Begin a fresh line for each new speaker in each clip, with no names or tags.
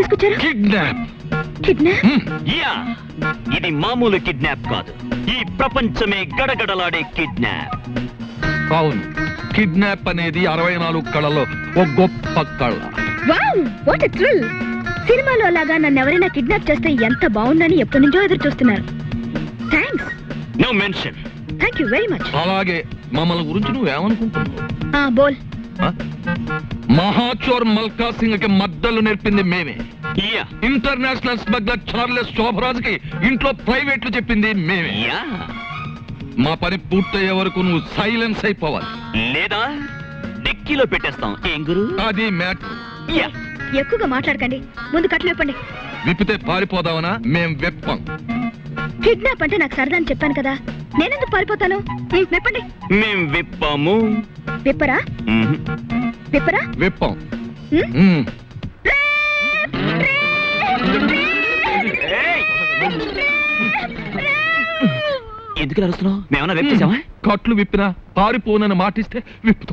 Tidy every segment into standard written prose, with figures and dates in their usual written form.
తీసుకొచ్చారు?
Kidnap.
Kidnap?
Yeah, ఇది మామూలు కిడ్నాప్ కాదు, ఈ ప్రపంచమే గడగడలాడే కిడ్నాప్.
అవును, కిడ్నాప్ అనేది 64 కళలో ఒక గొప్ప కళ.
Wow, what a thrill! సినిమాలో లాగా నన్ను ఎవరైనా కిడ్నాప్ చేస్తే ఎంత బాగుందని ఎప్పటి నుంచో ఎదురు చూస్తున్నారు. Thanks.
No mention.
Thank you very much.
అలాగే మమ్మల్ని గురించి నువ్వేమనుకుంటున్నావు?
బోల్.
మహాచోర్ మల్కా సింగ్ కి మద్దలు నేర్పింది మేమే.
Yeah,
international smuggler Charles Sobhraj కి ఇంట్లో ప్రైవేట్లు చెప్పింది మేమే.
యా,
మా పని పూర్తయ్యే వరకు నువ్వు సైలెన్స్ అయిపోవాలి,
లేదా డిక్కీలో పెట్టేస్తాం. ఏం గురు?
అది మ్యాటర్.
యా,
ఎక్కువగా మాట్లాడకండి, ముందు కట్లు విప్పండి.
విప్పితే పారిపోదావనా? మేం వెప్పం.
కిడ్నాప్ అంటే నాకు సరదా అని చెప్పాను కదా, నేనెందుకు పారిపోతాను? విప్పండి.
మేం విప్పాము.
విప్పరా? విప్పరా?
వెప్పం.
ఎందుకు అరుస్తున్నావు? మేమన్నా విప్పేసామా?
కట్లు విప్పినా పారిపోనని మాటిస్తే విప్పుతాం.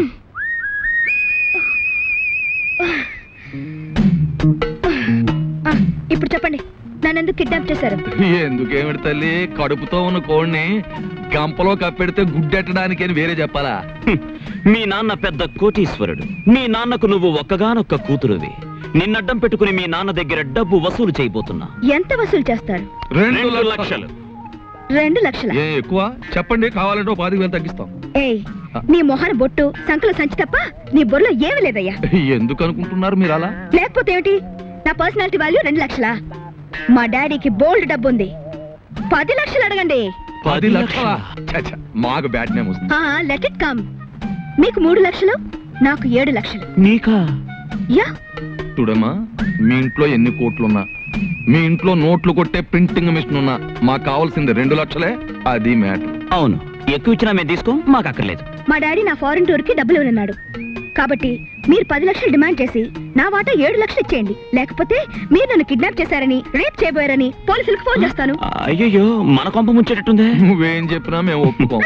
ఇప్పుడు చెప్పండి, నన్నెందుకు కిడ్నాప్ చేశారు?
ఎందుకేమిటి తల్లి, కడుపుతో ఉన్న కోడిని గంపలో కప్పెడితే గుడ్డెట్టడానికి అని వేరే చెప్పాలా?
మీ నాన్న పెద్ద కోటీశ్వరుడు, మీ నాన్నకు నువ్వు ఒక్కగానొక్క కూతురువి. నిన్నడ్డం పెట్టుకుని మీ నాన్న దగ్గర డబ్బు వసూలు చేయబోతున్నా.
ఎంత వసూలు చేస్తారు?
2 లక్షలు.
2 లక్షల?
ఏ ఎక్కువ చెప్పండి, కావాలంటే 10,000 తగ్గిస్తాం.
ఏయ్, నీ మొహన బొట్టు సంకల సంచి తప్ప నీ బొర్రలో ఏమీ లేదయ్యా.
ఎందుకు అనుకుంటున్నారు మీరు అలా?
లేకపోతే ఏమిటి, నా పర్సనాలిటీ వాల్యూ 2 లక్షలా? మా డాడీకి బోల్డ్ డబ్బు ఉంది, 10 లక్షలు అడగండి.
10 లక్షలా? మాకు బ్యాడ్ నేమ్ వస్తుంది.
Let it come. మీకు 3 లక్షలు, నాకు 7 లక్షలు.
నీకా?
యా.
చూడమ్మా, మీ ఇంట్లో ఎన్ని కోట్లున్నా, మీ ఇంట్లో నోట్లు కొట్టే ప్రింటింగ్ మిషన్ ఉన్నా, మాకు కావాల్సింది 2 లక్షలే. అది మ్యాటర్.
అవును, ఎక్కువ ఇచ్చినా మేము తీసుకో, మాకు అక్కర్లేదు.
మా డాడీ నా ఫారెన్ టూర్ కి డబ్బులు ఇవ్వనున్నాడు, కాబట్టి మీరు 10 లక్షలు డిమాండ్ చేసి నా వాటా 7 లక్షలు ఇచ్చేయండి. లేకపోతే మీరు నన్ను కిడ్నాప్ చేశారని, రేప్ చేయబోయారని పోలీసులకు ఫోన్ చేస్తాను.
అయ్యో, మన కొంప ముంచేటట్టుందే.
నువ్వేం చెప్పినా మేము ఒప్పుకోం.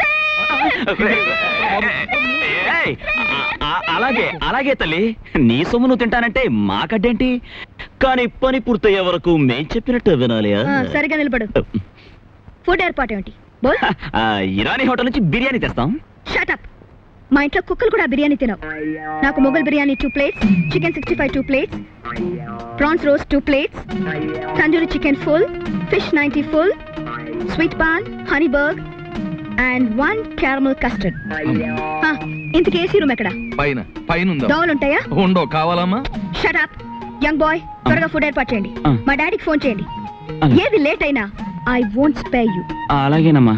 అలాగే అలాగే తల్లి, నీ సొమ్ము నువ్వు తింటానంటే మాకడ్డేంటి? కానీ పని పూర్తయ్యే వరకు మేం చెప్పినట్టు వినాలి.
సరిగా నిలబడు. ఫుడ్ ఏర్పాటు ఏమిటి? బోల్.
ఇరానీ హోటల్ నుంచి బిర్యానీ తెస్తాం.
Shut up. మా ఇంట్లో కుక్కలు కూడా బిర్యానీ తినవు. నాకు Mughal biryani 2 plates, chicken 65 2 plates, prawns roast 2 plates, tandoori chicken full, fish 90 full, sweet paan, honey బర్గ్ అండ్ 1 క్యారమల్ కస్టర్డ్. ఇంతకీ ఏసీ రూమ్ ఎక్కడ?
పైన. పైన ఉందా?
దోవలు ఉంటాయా?
ఉండవు. కావాలమ్మా?
షట్ అప్ యంగ్ బాయ్, త్వరగా ఫుడ్ ఏర్పాటు చేయండి. మా డాడీకి ఫోన్ చేయండి. ఏది లేట్ అయినా ఐ వోంట్ స్పేర్ యు.
అలాగేనమ్మా.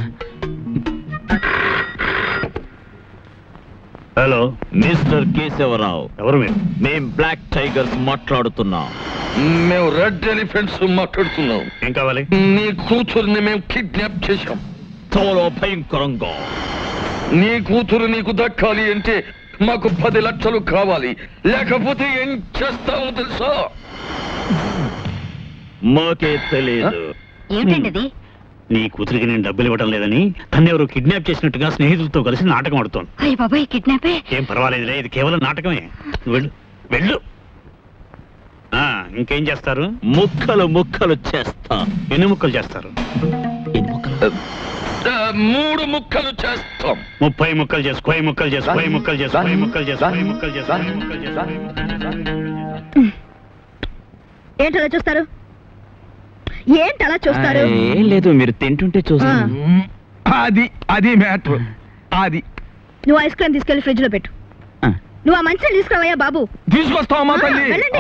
Hello, mister Keshava Rao.
ఎవరు మీరు?
మేం బ్లాక్ టైగర్స్ మాట్లాడుతున్నాం.
మేము రెడ్ ఎలిఫెంట్స్ మాట్లాడుతున్నాం.
ఏం కావాలి?
నీ కూతురుని మేము కిడ్నాప్ చేశాం.
చాలా భయంకరంగా.
నీ కూతురు నీకు దక్కాలి అంటే మాకు 10 లక్షలు కావాలి, లేకపోతే ఏం చేస్తావో తెలుసా?
మాకే తెలియదు.
ఏమిటండి?
నీ కూతురికి నేను డబ్బులు ఇవ్వడం లేదని తను ఎవరు కిడ్నాప్ చేసినట్టుగా స్నేహితులతో కలిసి నాటకం ఆడుతోంది.
అయ్య బాబాయ్, కిడ్నాపే?
ఏం పర్వాలేదులే, ఇది కేవలం నాటకమే. నువ్వు వెళ్ళు, వెళ్ళు. ఇంకేం చేస్తారు?
ముక్కలు ముక్కలు చేస్తా.
ఎన్ని ముక్కలు చేస్తారు?
3 ముక్కలు చేస్తాం.
30 ముక్కలు చేసు, 10 ముక్కలు చేసు, 10 ముక్కలు చేసు, 10 ముక్కలు చేసు, 10 ముక్కలు చేసు, 10 ముక్కలు చేసు.
ఏంటలా చూస్తారు? ఏంటలా చూస్తారు?
ఏం లేదు, మీరు తింటుంటే చూస్తాను.
అది మ్యాటర్. అది
నువ్వు ఐస్ క్రీమ్ తీసుకెళ్లి ఫ్రిడ్జ్ లో పెట్టు. నువ్వు ఆ మంచిని తీసుకురావయ్యా బాబు.
తీసుకొస్తావమ్మా తల్లి.
వెళ్ళండి.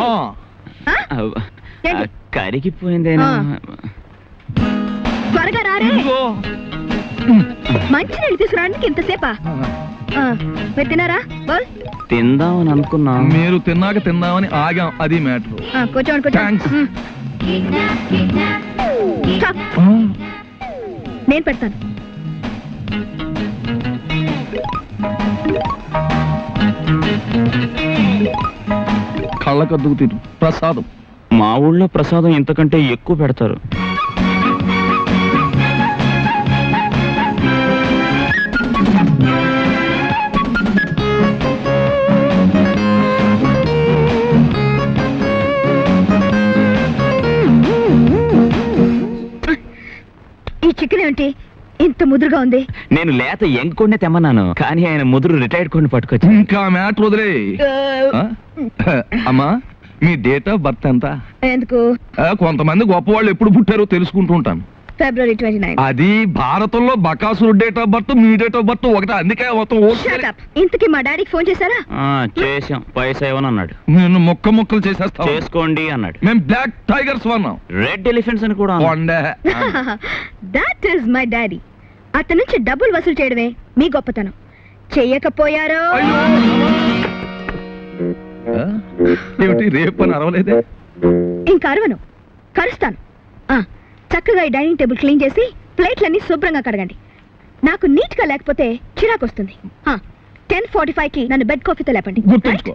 కరిగిపోయిందేనా?
త్వరగా రారే. మంచి నీళ్ళు తీసుకురావడానికి ఇంతసేపా? మీరు తిన్నారా? బోల్.
తిందామని అనుకున్నా.
మీరు తిన్నాక తిందామని ఆగాం. అది మ్యాటర్.
కూర్చోండి. నేను పెడతాను.
కళ్ళకద్దుకు తిరు ప్రసాదం.
మా ఊళ్ళో ప్రసాదం ఇంతకంటే ఎక్కువ పెడతారు.
చికెన్ ఏంటి ఇంత ముదురుగా ఉంది?
నేను లేత ఎంకొండే తెమ్మన్నాను, కానీ ఆయన ముదురు రిటైర్డ్ కొన్ని పట్టుకొచ్చి.
ఇంకా మ్యాటర్ వదిలే. అమ్మా, మీ డేట్ ఆఫ్ బర్త్ ఎంత?
ఎందుకు?
కొంతమంది గొప్పవాళ్ళు ఎప్పుడు పుట్టారో తెలుసుకుంటూ ఉంటాను.
February 29.
అది భారతంలో బకాసురు డేట్ ఆఫ్ బర్త్, మీ డేట్ ఆఫ్ బర్త్ ఒకటే, అందుకే మొత్తం
Shut up. ఇంతకీ మా డాడీకి ఫోన్ చేశారా?
చేసాం, పైసా ఇవ్వను అన్నాడు.
నేను ముక్కలు చేసేస్తా.
చేసుకోండి అన్నాడు.
మేము బ్లాక్ టైగర్స్ వన్నాం,
రెడ్ ఎలిఫెంట్స్ అని కూడా అన్నాడు.
That is my daddy. అతని నుంచి డబ్బులు వసూలు చేయడమే మీ గొప్పతనం. చెయ్యకపోయారో
ఏమిటి రేపు అని అరవలేదే?
ఇంకా అరవను, కరుస్తాను. చక్కగా ఈ డైనింగ్ టేబుల్ క్లీన్ చేసి ప్లేట్లన్నీ శుభ్రంగా కడగండి. నాకు నీట్ గా లేకపోతే చిరాకు వస్తుంది. 10:45కి నన్ను బెడ్ కాఫీతో లేపండి.
గుర్తుంచుకో.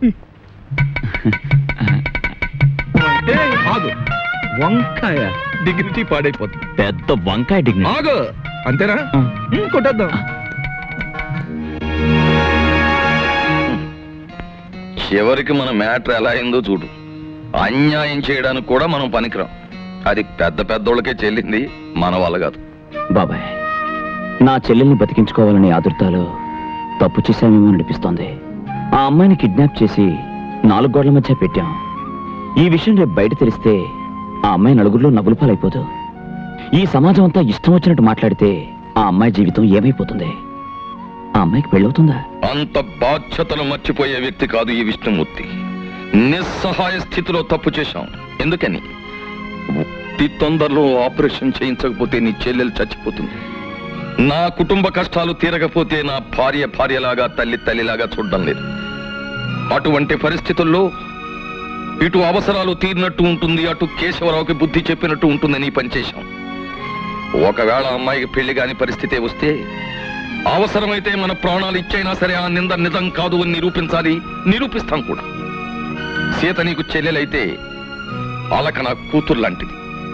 ఆగు, వంకాయ డిగ్నిటీ పాడైపోతుంది.
పెద్ద వంకాయ డిగ్నిటీ.
ఆగు, అంతేనా? కొట్టేద్దాం. చివరికి మన మ్యాటర్ ఎలా అయిందో చూడు. అన్యాయం చేయడానికి కూడా మనం పనికిరాం. అది పెద్ద పెద్దోళ్ళకే చెల్లింది, మన వల్ల కాదు.
బాబాయ్, నా చెల్లెల్ని బతికించుకోవాలని ఆదుర్తాలో తప్పు చేశామేమో అనిపిస్తోంది. ఆ అమ్మాయిని కిడ్నాప్ చేసి 4 గోడల మధ్య పెట్టాం. ఈ విషయం రేపు బయట తెలిస్తే ఆ అమ్మాయి నలుగురిలో నవ్వుల పాలైపోదు. ఈ సమాజం అంతా ఇష్టం వచ్చినట్టు మాట్లాడితే ఆ అమ్మాయి జీవితం ఏమైపోతుంది? ఆ అమ్మాయికి పెళ్ళవుతుందా?
అంత బాధ్యతలు మర్చిపోయే వ్యక్తి కాదు ఈ విష్ణుమూర్తి. నిస్సహాయ స్థితిలో తప్పు చేశాం. ఎందుకని? ఈ తొందరలో ఆపరేషన్ చేయించకపోతే నీ చెల్లెలు చచ్చిపోతుంది. నా కుటుంబ కష్టాలు తీరకపోతే నా భార్యలాగా, తల్లిలాగా చూడడం లేదు. అటువంటి పరిస్థితుల్లో ఇటు అవసరాలు తీరినట్టు ఉంటుంది, అటు కేశవరావుకి బుద్ధి చెప్పినట్టు ఉంటుందని పనిచేశాం. ఒకవేళ అమ్మాయికి పెళ్లి కాని పరిస్థితే వస్తే అవసరమైతే మన ప్రాణాలు ఇచ్చైనా సరే ఆ నింద నిజం కాదు అని నిరూపించాలి, నిరూపిస్తాం కూడా. సీత నీకు చెల్లెలైతే అలక నా కూతురు లాంటిది.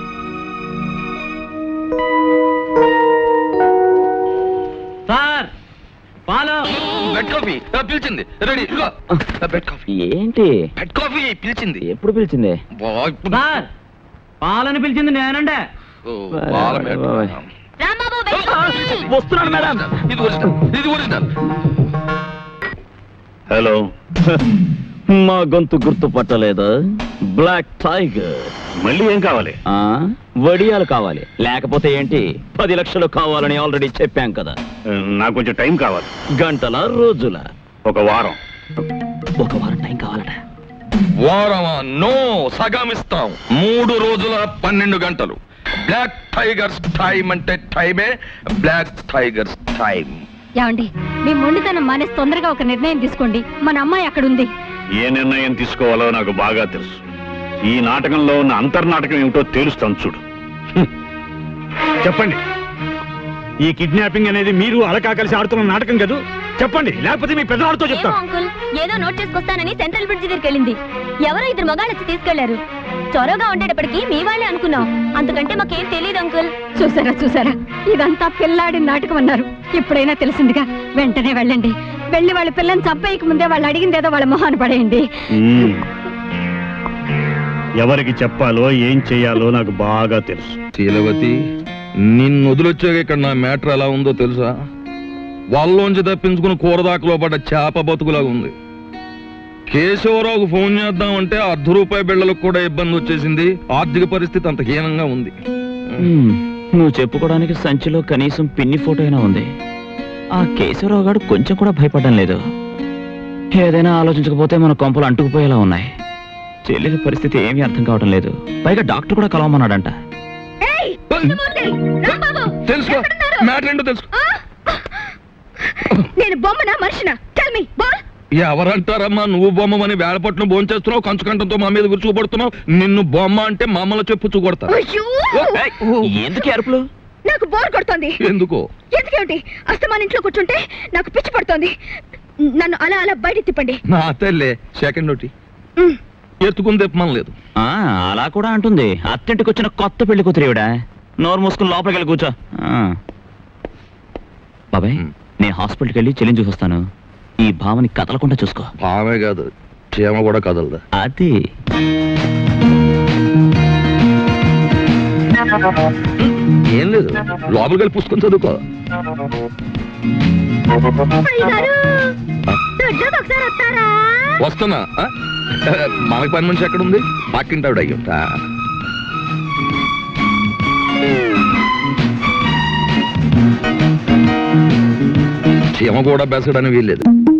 సార్, పాలు.
బెడ్ కాఫీ పిలిచింది, రెడీ. బెడ్ కాఫీ
ఏంటి?
బెడ్ కాఫీ పిలిచింది.
ఎప్పుడు పిలిచింది?
సార్, పాలని పిలిచింది నేనండే.
వస్తున్నాను మేడం.
ఇది ఒరిజినల్.
హలో.
మా గొంతు గుర్తుపట్టలేదా? Black tiger.
మళ్ళీ ఏం కావాలి?
వడియాలు కావాలి. లేకపోతే ఏంటి, 10 లక్షలు కావాలని ఆల్రెడీ చెప్పాం కదా.
నాకు కొంచెం టైం కావాలి.
గంటల, రోజుల?
ఒక వారం.
ఒక వారం టైం కావాలట.
వారమా? నో, సగమిస్తాం. 3 రోజుల 12 గంటలు. బ్లాక్ టైగర్స్ టైం అంటే టైమే, బ్లాక్ టైగర్స్ టైం.
ఏమండి, మీ మొండితనం మానేసి తొందరగా ఒక నిర్ణయం తీసుకోండి. మన అమ్మాయి అక్కడ ఉంది.
ఏ నిర్ణయం తీసుకోవాలో నాకు బాగా తెలుసు. ఈ నాటకంలో ఉన్న అంతర్నాటకం ఏమిటో తేలుస్తాను చూడు. చెప్పండి, ఈ కిడ్నాపింగ్ అనేది మీరు అలకా కలిసి ఆడుతున్న నాటకం కదా? చెప్పండి, లేకపోతే మీ పెద్దవాడితో చెప్తాను.
అంకుల్, ఏదో నోట్ చేసుకొస్తానని సెంట్రల్ బ్రిడ్జ్ దగ్గరికి వెళ్ళింది. ఎవరో 2 మగాళ్ళు వచ్చి తీసుకెళ్లారు. చొరవగా ఉండేటప్పటికి మీ వాళ్ళే అనుకున్నాం. అంతకంటే మాకేం తెలియదు అంకుల్.
చూసారా, ఇదంతా పిల్లాడి నాటకం అన్నారు. ఇప్పుడైనా తెలిసిందిగా. వెంటనే వెళ్ళండి. వెళ్ళి వాళ్ళ పిల్లని చంపేయక ముందే వాళ్ళు అడిగిందేదో వాళ్ళ మొహాన్ని పడేయండి.
ఎవరికి చెప్పాలో ఏం చెయ్యాలో నాకు బాగా తెలుసు.
శీలవతి, నిన్ను వదిలొచ్చాక ఇక్కడ నా మ్యాటర్ ఎలా ఉందో తెలుసా? వాళ్ళలోంచి తప్పించుకుని కూరదాకలో పడ్డ చేప బతుకులాగా ఉంది. కేశవరావుకు ఫోన్ చేద్దామంటే ₹1/2 బిళ్ళలకు కూడా ఇబ్బంది వచ్చేసింది. ఆర్థిక పరిస్థితి అంత హీనంగా ఉంది.
నువ్వు చెప్పుకోవడానికి సంచిలో కనీసం పిన్ని ఫోటో అయినా ఉంది. ఆ కేశవరావు గారు కొంచెం కూడా భయపడడం లేదు. ఏదైనా ఆలోచించకపోతే మన కొంపలు అంటుకుపోయేలా ఉన్నాయి. చెల్లెలి పరిస్థితి ఏమీ అర్థం కావడం లేదు. పైగా డాక్టర్ కూడా కలవమన్నాడంట.
తెలుసుకో, మ్యాటర్ ఏంటో తెలుసుకో.
నేను బొమ్మనా మనిషినా? Tell me.
ఎవరంటారమ్మా నువ్వు బొమ్మని? వేళపట్నం భోంచేస్తున్నావు, కంచుకంఠంతో మా మీద గుర్చుపడుతున్నావు. నిన్ను బొమ్మ అంటే మామూలు చెప్పు చూకొడతా.
ఎందుకు అరుపులు?
నాకు బోర్ కొడుతోంది.
ఎందుకో?
ఎందుకేమిటి? అస్తమాన్ ఇంట్లో కూర్చుంటే నాకు పిచ్చి పడుతోంది. నన్ను అలా అలా బయట తిప్పండి.
నా తల్లే సెకండ్ ఒకటి ఎత్తుకుని తెప్పమనలేదు.
అలా కూడా అంటుంది. అత్తింటికి వచ్చిన కొత్త పెళ్లి కూతురేవిడా. నోరు మూసుకుని లోపలికి వెళ్ళి కూర్చో. బాబాయ్, నేను హాస్పిటల్కి వెళ్ళి చెల్లిని చూసొస్తాను. ఈ భావని కదలకుండా చూసుకో.
భావే కాదు, క్షేమ కూడా కదలదా.
అది
ఏం లేదు లోపలికి వెళ్ళి పుస్తకం చదువుకో
అయ్యగారు దొడ్లోకి ఒకసారి వస్తారా?
వస్తున్నా ఆ? మనకి పని మనిషి ఎక్కడ ఉంది పక్కింటావిడ అయ్యుంటా చీమ కూడా బెసడని వీల్లేదు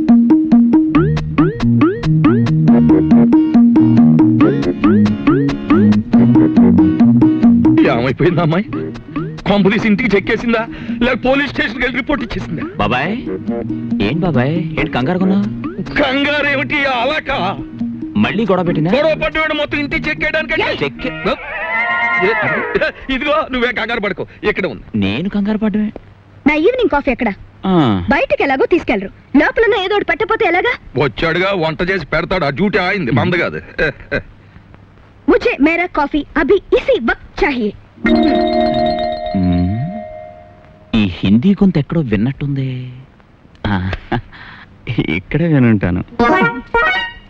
ఏమైపోయిందా అమ్మాయి కొంపదీసి ఇంటికి చెక్కేసిందా లేక పోలీస్ స్టేషన్కి వెళ్ళి రిపోర్ట్ ఇచ్చేసిందా
బాబాయ్ ఏంటి బాబాయ్ ఏంటి కంగారు కొన్నా
కంగారు ఏమిటి అలాక
మళ్ళీ గొడవ పెట్టిందా
గొడవ పడ్డవాడు మొత్తం ఇంటికి చెక్కేయడానికి
చెక్
ఇదిగో నువ్వే కంగారు పడుకో ఇక్కడ ఉంది
నేను కంగారు పడ్డమే
నా ఈవినింగ్ కాఫీ ఎక్కడ? బయటకి ఎలాగో తీసుకెళ్లరు, లోపల ఏదో ఒకటి పెట్టకపోతే ఎలాగా?
వచ్చాడుగా వంట చేసి పెడతాడు ఆ డ్యూటీ ఆయింది మంద కాదు
मुझे मेरा कॉफी अभी इसी वक्त चाहिए.
ఈ హిందీ కొంత ఎక్కడో విన్నట్టుంది ఇక్కడే వినుంటాను.